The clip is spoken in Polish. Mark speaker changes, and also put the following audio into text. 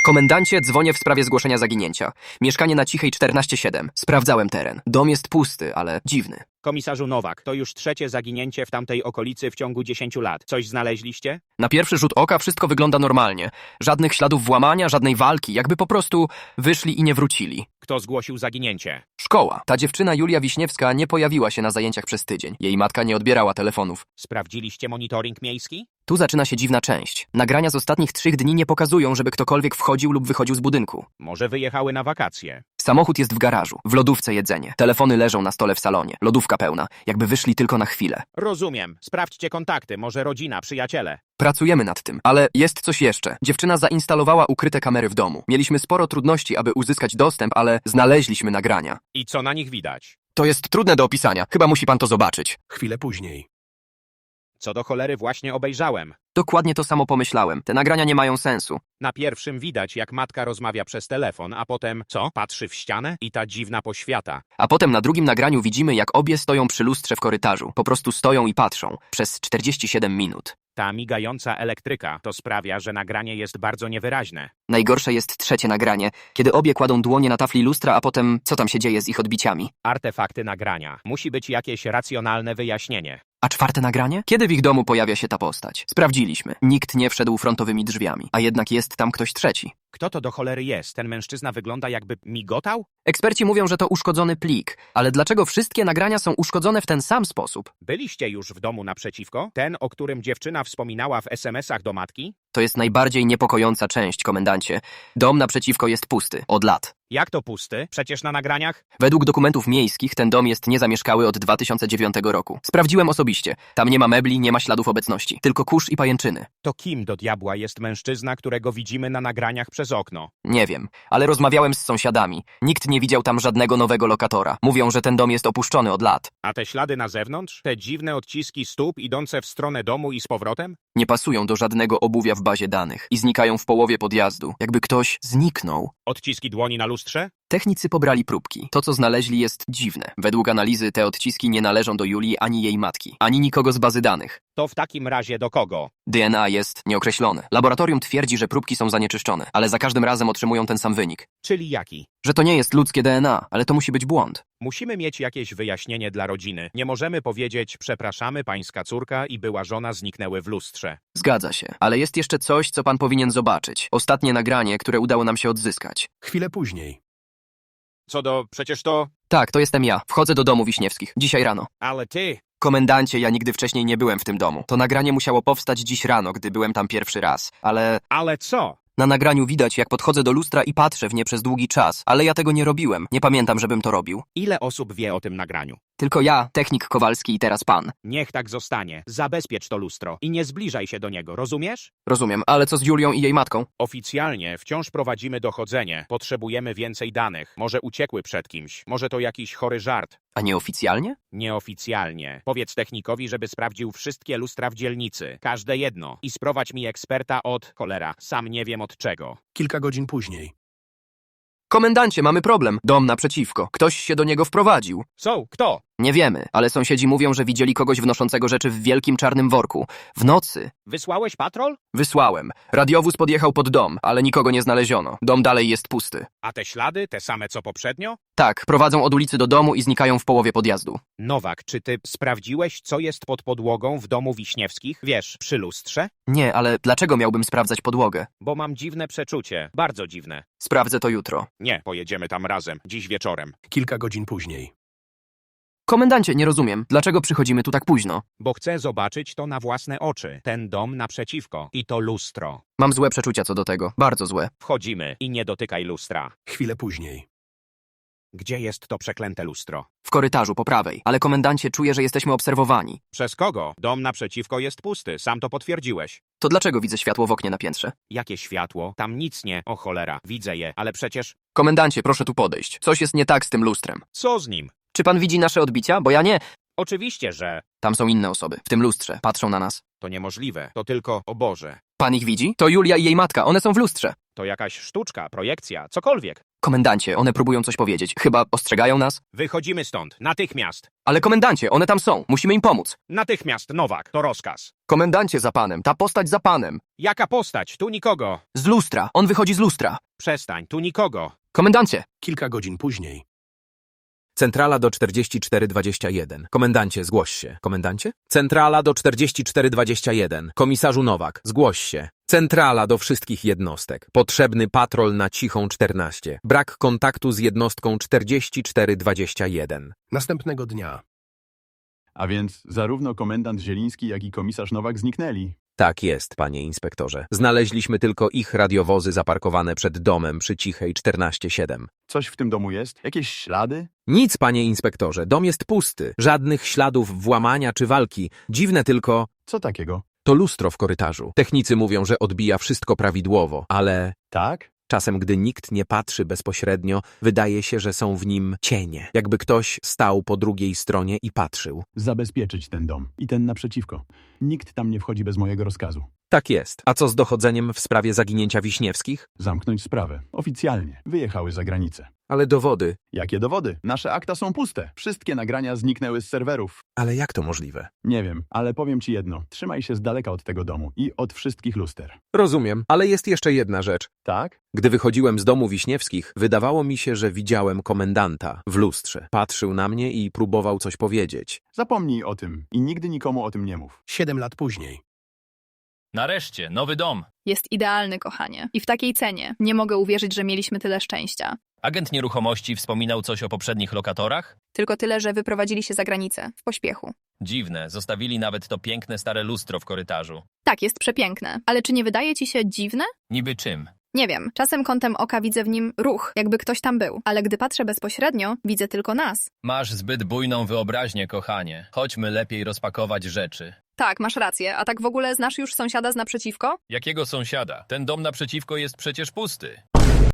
Speaker 1: Komendancie, dzwonię w sprawie zgłoszenia zaginięcia. Mieszkanie na Cichej 14/7. Sprawdzałem teren. Dom jest pusty, ale dziwny.
Speaker 2: Komisarzu Nowak, to już trzecie zaginięcie w tamtej okolicy w ciągu 10 lat. Coś znaleźliście?
Speaker 1: Na pierwszy rzut oka wszystko wygląda normalnie. Żadnych śladów włamania, żadnej walki, jakby po prostu wyszli i nie wrócili.
Speaker 2: Kto zgłosił zaginięcie?
Speaker 1: Szkoła. Ta dziewczyna Julia Wiśniewska nie pojawiła się na zajęciach przez tydzień. Jej matka nie odbierała telefonów.
Speaker 2: Sprawdziliście monitoring miejski?
Speaker 1: Tu zaczyna się dziwna część. Nagrania z ostatnich 3 dni nie pokazują, żeby ktokolwiek wchodził lub wychodził z budynku.
Speaker 2: Może wyjechały na wakacje?
Speaker 1: Samochód jest w garażu, w lodówce jedzenie. Telefony leżą na stole w salonie. Lodówka pełna, jakby wyszli tylko na chwilę.
Speaker 2: Rozumiem. Sprawdźcie kontakty, może rodzina, przyjaciele.
Speaker 1: Pracujemy nad tym, ale jest coś jeszcze. Dziewczyna zainstalowała ukryte kamery w domu. Mieliśmy sporo trudności, aby uzyskać dostęp, ale znaleźliśmy nagrania.
Speaker 2: I co na nich widać?
Speaker 1: To jest trudne do opisania. Chyba musi pan to zobaczyć.
Speaker 3: Chwilę później.
Speaker 2: Co do cholery właśnie obejrzałem.
Speaker 1: Dokładnie to samo pomyślałem. Te nagrania nie mają sensu.
Speaker 2: Na pierwszym widać, jak matka rozmawia przez telefon, a potem, co? Patrzy w ścianę i ta dziwna poświata.
Speaker 1: A potem na drugim nagraniu widzimy, jak obie stoją przy lustrze w korytarzu. Po prostu stoją i patrzą. Przez 47 minut.
Speaker 2: Ta migająca elektryka to sprawia, że nagranie jest bardzo niewyraźne.
Speaker 1: Najgorsze jest trzecie nagranie, kiedy obie kładą dłonie na tafli lustra, a potem co tam się dzieje z ich odbiciami.
Speaker 2: Artefakty nagrania. Musi być jakieś racjonalne wyjaśnienie.
Speaker 1: A czwarte nagranie? Kiedy w ich domu pojawia się ta postać? Sprawdziliśmy. Nikt nie wszedł frontowymi drzwiami, a jednak jest tam ktoś trzeci.
Speaker 2: Kto to do cholery jest? Ten mężczyzna wygląda, jakby migotał?
Speaker 1: Eksperci mówią, że to uszkodzony plik, ale dlaczego wszystkie nagrania są uszkodzone w ten sam sposób?
Speaker 2: Byliście już w domu naprzeciwko? Ten, o którym dziewczyna wspominała w SMS-ach do matki?
Speaker 1: To jest najbardziej niepokojąca część, komendancie. Dom naprzeciwko jest pusty, od lat.
Speaker 2: Jak to pusty? Przecież na nagraniach?
Speaker 1: Według dokumentów miejskich ten dom jest niezamieszkały od 2009 roku. Sprawdziłem osobiście. Tam nie ma mebli, nie ma śladów obecności, tylko kurz i pajęczyny.
Speaker 2: To kim do diabła jest mężczyzna, którego widzimy na nagraniach przez okno?
Speaker 1: Nie wiem, ale rozmawiałem z sąsiadami. Nikt nie widział tam żadnego nowego lokatora. Mówią, że ten dom jest opuszczony od lat.
Speaker 2: A te ślady na zewnątrz? Te dziwne odciski stóp idące w stronę domu i z powrotem?
Speaker 1: Nie pasują do żadnego obuwia w bazie danych i znikają w połowie podjazdu, jakby ktoś zniknął.
Speaker 2: Odciski dłoni na lustrze?
Speaker 1: Technicy pobrali próbki. To, co znaleźli, jest dziwne. Według analizy te odciski nie należą do Julii ani jej matki, ani nikogo z bazy danych.
Speaker 2: To w takim razie do kogo?
Speaker 1: DNA jest nieokreślone. Laboratorium twierdzi, że próbki są zanieczyszczone, ale za każdym razem otrzymują ten sam wynik.
Speaker 2: Czyli jaki?
Speaker 1: Że to nie jest ludzkie DNA, ale to musi być błąd.
Speaker 2: Musimy mieć jakieś wyjaśnienie dla rodziny. Nie możemy powiedzieć, przepraszamy, pańska córka i była żona zniknęły w lustrze.
Speaker 1: Zgadza się, ale jest jeszcze coś, co pan powinien zobaczyć. Ostatnie nagranie, które udało nam się odzyskać.
Speaker 3: Chwilę później.
Speaker 2: Przecież to...
Speaker 1: Tak, to jestem ja. Wchodzę do domu Wiśniewskich. Dzisiaj rano.
Speaker 2: Ale ty...
Speaker 1: Komendancie, ja nigdy wcześniej nie byłem w tym domu. To nagranie musiało powstać dziś rano, gdy byłem tam pierwszy raz. Ale
Speaker 2: Ale co?
Speaker 1: na nagraniu widać, jak podchodzę do lustra i patrzę w nie przez długi czas. Ale ja tego nie robiłem. Nie pamiętam, żebym to robił.
Speaker 2: Ile osób wie o tym nagraniu?
Speaker 1: Tylko ja, technik Kowalski i teraz pan.
Speaker 2: Niech tak zostanie. Zabezpiecz to lustro i nie zbliżaj się do niego, rozumiesz?
Speaker 1: Rozumiem, ale co z Julią i jej matką?
Speaker 2: Oficjalnie wciąż prowadzimy dochodzenie. Potrzebujemy więcej danych. Może uciekły przed kimś. Może to jakiś chory żart.
Speaker 1: A nieoficjalnie?
Speaker 2: Nieoficjalnie. Powiedz technikowi, żeby sprawdził wszystkie lustra w dzielnicy. Każde jedno. I sprowadź mi eksperta od... cholera. Sam nie wiem od czego.
Speaker 3: Kilka godzin później.
Speaker 1: Komendancie, mamy problem. Dom naprzeciwko. Ktoś się do niego wprowadził.
Speaker 2: Kto?
Speaker 1: Nie wiemy, ale sąsiedzi mówią, że widzieli kogoś wnoszącego rzeczy w wielkim czarnym worku. W nocy.
Speaker 2: Wysłałeś patrol?
Speaker 1: Wysłałem. Radiowóz podjechał pod dom, ale nikogo nie znaleziono. Dom dalej jest pusty.
Speaker 2: A te ślady, te same co poprzednio?
Speaker 1: Tak, prowadzą od ulicy do domu i znikają w połowie podjazdu.
Speaker 2: Nowak, czy ty sprawdziłeś, co jest pod podłogą w domu Wiśniewskich? Wiesz, przy lustrze?
Speaker 1: Nie, ale dlaczego miałbym sprawdzać podłogę?
Speaker 2: Bo mam dziwne przeczucie. Bardzo dziwne.
Speaker 1: Sprawdzę to jutro.
Speaker 2: Nie, pojedziemy tam razem. Dziś wieczorem.
Speaker 3: Kilka godzin później.
Speaker 1: Komendancie, nie rozumiem. Dlaczego przychodzimy tu tak późno?
Speaker 2: Bo chcę zobaczyć to na własne oczy. Ten dom naprzeciwko. I to lustro.
Speaker 1: Mam złe przeczucia co do tego. Bardzo złe.
Speaker 2: Wchodzimy i nie dotykaj lustra.
Speaker 3: Chwilę później.
Speaker 2: Gdzie jest to przeklęte lustro?
Speaker 1: W korytarzu po prawej. Ale komendancie, czuję, że jesteśmy obserwowani.
Speaker 2: Przez kogo? Dom naprzeciwko jest pusty. Sam to potwierdziłeś.
Speaker 1: To dlaczego widzę światło w oknie na piętrze?
Speaker 2: Jakie światło? Tam nic nie. O cholera. Widzę je. Ale przecież...
Speaker 1: Komendancie, proszę tu podejść. Coś jest nie tak z tym lustrem.
Speaker 2: Co z nim?
Speaker 1: Czy pan widzi nasze odbicia? Bo ja nie.
Speaker 2: Oczywiście, że...
Speaker 1: Tam są inne osoby. W tym lustrze. Patrzą na nas.
Speaker 2: To niemożliwe. To tylko... O Boże.
Speaker 1: Pan ich widzi? To Julia i jej matka. One są w lustrze.
Speaker 2: To jakaś sztuczka, projekcja, cokolwiek.
Speaker 1: Komendancie, one próbują coś powiedzieć. Chyba ostrzegają nas?
Speaker 2: Wychodzimy stąd. Natychmiast.
Speaker 1: Ale komendancie, one tam są. Musimy im pomóc.
Speaker 2: Natychmiast, Nowak. To rozkaz.
Speaker 1: Komendancie za panem, ta postać za panem.
Speaker 2: Jaka postać? Tu nikogo.
Speaker 1: Z lustra, on wychodzi z lustra.
Speaker 2: Przestań. Tu nikogo.
Speaker 1: Komendancie,
Speaker 3: Kilka godzin później.
Speaker 4: Centrala do 4421. Komendancie, zgłoś się. Komendancie? Centrala do 4421. Komisarzu Nowak, zgłoś się. Centrala do wszystkich jednostek. Potrzebny patrol na Cichą 14. Brak kontaktu z jednostką 4421.
Speaker 3: Następnego dnia.
Speaker 5: A więc zarówno komendant Zieliński, jak i komisarz Nowak zniknęli.
Speaker 4: Tak jest, panie inspektorze. Znaleźliśmy tylko ich radiowozy zaparkowane przed domem przy Cichej 14-7.
Speaker 5: Coś w tym domu jest? Jakieś ślady?
Speaker 4: Nic, panie inspektorze, dom jest pusty. Żadnych śladów włamania czy walki. Dziwne tylko,
Speaker 5: Co takiego?
Speaker 4: to lustro w korytarzu. Technicy mówią, że odbija wszystko prawidłowo, ale
Speaker 5: Tak?
Speaker 4: czasem, gdy nikt nie patrzy bezpośrednio, wydaje się, że są w nim cienie. Jakby ktoś stał po drugiej stronie i patrzył.
Speaker 5: Zabezpieczyć ten dom. I ten naprzeciwko. Nikt tam nie wchodzi bez mojego rozkazu.
Speaker 4: Tak jest. A co z dochodzeniem w sprawie zaginięcia Wiśniewskich?
Speaker 5: Zamknąć sprawę. Oficjalnie. Wyjechały za granicę.
Speaker 4: Ale dowody.
Speaker 5: Jakie dowody? Nasze akta są puste. Wszystkie nagrania zniknęły z serwerów.
Speaker 4: Ale jak to możliwe?
Speaker 5: Nie wiem, ale powiem ci jedno. Trzymaj się z daleka od tego domu i od wszystkich luster.
Speaker 4: Rozumiem, ale jest jeszcze jedna rzecz.
Speaker 5: Tak?
Speaker 4: Gdy wychodziłem z domu Wiśniewskich, wydawało mi się, że widziałem komendanta w lustrze. Patrzył na mnie i próbował coś powiedzieć.
Speaker 5: Zapomnij o tym i nigdy nikomu o tym nie mów.
Speaker 3: 7 lat później.
Speaker 6: Nareszcie, nowy dom.
Speaker 7: Jest idealny, kochanie. I w takiej cenie. Nie mogę uwierzyć, że mieliśmy tyle szczęścia.
Speaker 6: Agent nieruchomości wspominał coś o poprzednich lokatorach?
Speaker 7: Tylko tyle, że wyprowadzili się za granicę. W pośpiechu.
Speaker 6: Dziwne, zostawili nawet to piękne stare lustro w korytarzu.
Speaker 7: Tak, jest przepiękne. Ale czy nie wydaje ci się dziwne?
Speaker 6: Niby czym?
Speaker 7: Nie wiem. Czasem kątem oka widzę w nim ruch, jakby ktoś tam był. Ale gdy patrzę bezpośrednio, widzę tylko nas.
Speaker 6: Masz zbyt bujną wyobraźnię, kochanie. Chodźmy lepiej rozpakować rzeczy.
Speaker 7: Tak, masz rację. A tak w ogóle znasz już sąsiada z naprzeciwko?
Speaker 6: Jakiego sąsiada? Ten dom naprzeciwko jest przecież pusty.